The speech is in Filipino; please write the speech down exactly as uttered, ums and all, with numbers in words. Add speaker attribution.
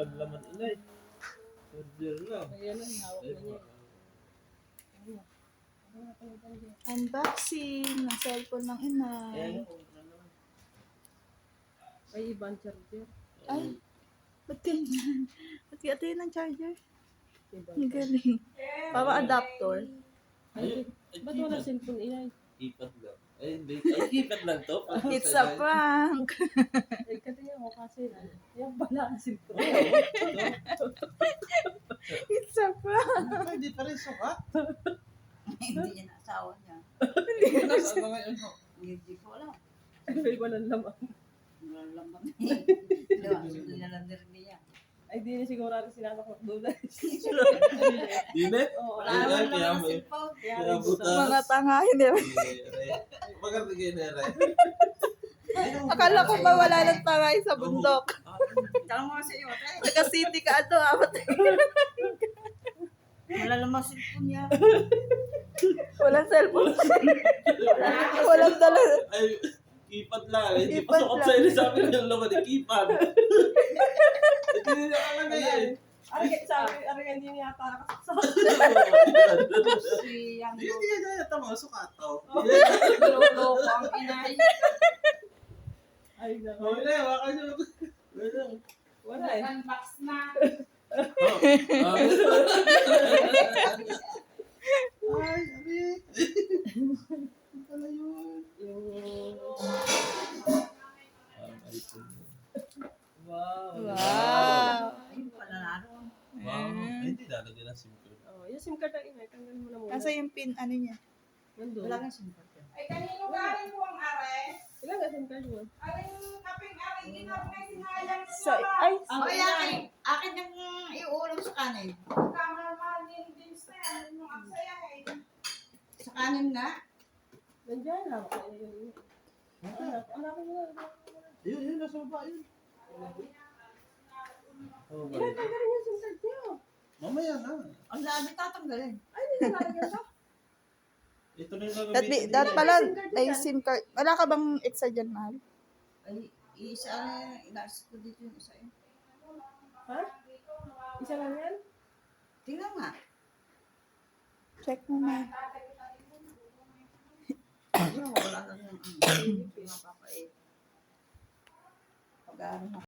Speaker 1: walang laman inay. Order lang.
Speaker 2: Ayan lang, hawak na niya.
Speaker 3: Unboxing ng cellphone ng inay.
Speaker 1: Ayan kung ano.
Speaker 2: Ay, ibang charger.
Speaker 3: Ay, ba't ganyan? Ba't kaya tayo ng charger?
Speaker 2: Ibang
Speaker 3: Ang galing. Para adapter.
Speaker 2: Ay, ba't wala cellphone inay?
Speaker 1: Keypad lang. Ay, hindi. Ay, keypad lang to.
Speaker 3: It's a prank.
Speaker 2: Ay, katiyan ko kasi. Yan pala ang cellphone.
Speaker 3: It's a prank.
Speaker 1: Hindi pa rin sukat.
Speaker 4: Hindi niya naasawa niya.
Speaker 1: Nasa na ngayon ho.
Speaker 4: Hindi ko alam.
Speaker 2: Ay, walang laman.
Speaker 4: Wala lang kami. Diba? Hindi na lang din niya.
Speaker 2: Ay, di na siguro natin sinasok ko doon.
Speaker 1: Dinit?
Speaker 2: Oo,
Speaker 4: Wala
Speaker 1: Ay,
Speaker 4: naman
Speaker 1: kaya
Speaker 4: lang ang
Speaker 1: may-
Speaker 4: cellphone.
Speaker 2: Kaya
Speaker 1: Kaya
Speaker 2: rin
Speaker 1: buta.
Speaker 2: buta.
Speaker 3: Mga tanga, hindi ba?
Speaker 1: Maganda kayo na rin.
Speaker 3: Akala ko ba wala ng tangay sa bundok?
Speaker 4: Tama mo sa iyo, tayo.
Speaker 3: Naka-city ka ato, apat.
Speaker 4: Wala lang ang cellphone niya.
Speaker 3: Walang cellphone. Walang dala.
Speaker 1: Ay, keypad lang. Hindi
Speaker 3: Keypad
Speaker 1: pa sukat
Speaker 3: lang.
Speaker 1: sa inyo sabi ko yung laman ng keypad. Hindi na nakalagay eh.
Speaker 2: Ari, sabi, ari, hindi niya yata nakasaksak.
Speaker 4: Si Yang
Speaker 1: Hindi hindi na yata mga sukat to.
Speaker 4: Lolo ko ang inay.
Speaker 2: Ay, naku.
Speaker 1: Oh, wala, wala kayo. Wala.
Speaker 2: Wala eh.
Speaker 4: Unbox na.
Speaker 1: Oh, ah. Ay, sabi. Ano pala yun?
Speaker 2: Yung...
Speaker 1: Um, iPhone.
Speaker 2: Wow.
Speaker 3: Wow.
Speaker 4: Ayun pala naroon.
Speaker 1: Wow. Ay, hindi lalagyan ng SIM card.
Speaker 2: Oh, yung SIM card ang inay, tanggal mo na muna.
Speaker 3: Kasi yung pin, ano niya.
Speaker 2: Nandun.
Speaker 4: Wala kang cellphone.
Speaker 5: Ay, kanino galing po ang are?
Speaker 2: Ilan nga SIM card mo?
Speaker 5: Aring kaping aring ginarnay sinayang ko
Speaker 3: So, ay,
Speaker 4: Oh, akin. Akin yung iuulam sa kanin.
Speaker 5: Kamahal din din sa yan. Yung aksaya eh.
Speaker 4: Sa kanin nga.
Speaker 2: Nandiyan lang. Ay, yun, yun. Anak, anak ko na.
Speaker 1: Yun, yun, nasa baba, yun. Oh,
Speaker 2: Ilan
Speaker 1: balik.
Speaker 2: tanggalin yung SIM card niyo?
Speaker 1: Mamaya na.
Speaker 4: Ang dami tatanggalin.
Speaker 2: Ay, hindi na nalagyan ka?
Speaker 1: Ito na yung
Speaker 3: that,
Speaker 1: gagamitin
Speaker 3: that
Speaker 1: nila.
Speaker 3: pala, ay SIM card. Wala ka bang extra dyan, mahal?
Speaker 4: Ay, isa na inalis ko dito yung isa yun.
Speaker 2: Ha? Isa lang yan?
Speaker 4: Tingnan nga.
Speaker 3: Check mo na.
Speaker 4: Ayun, wala na yung ano. Pinapapait. Pag ano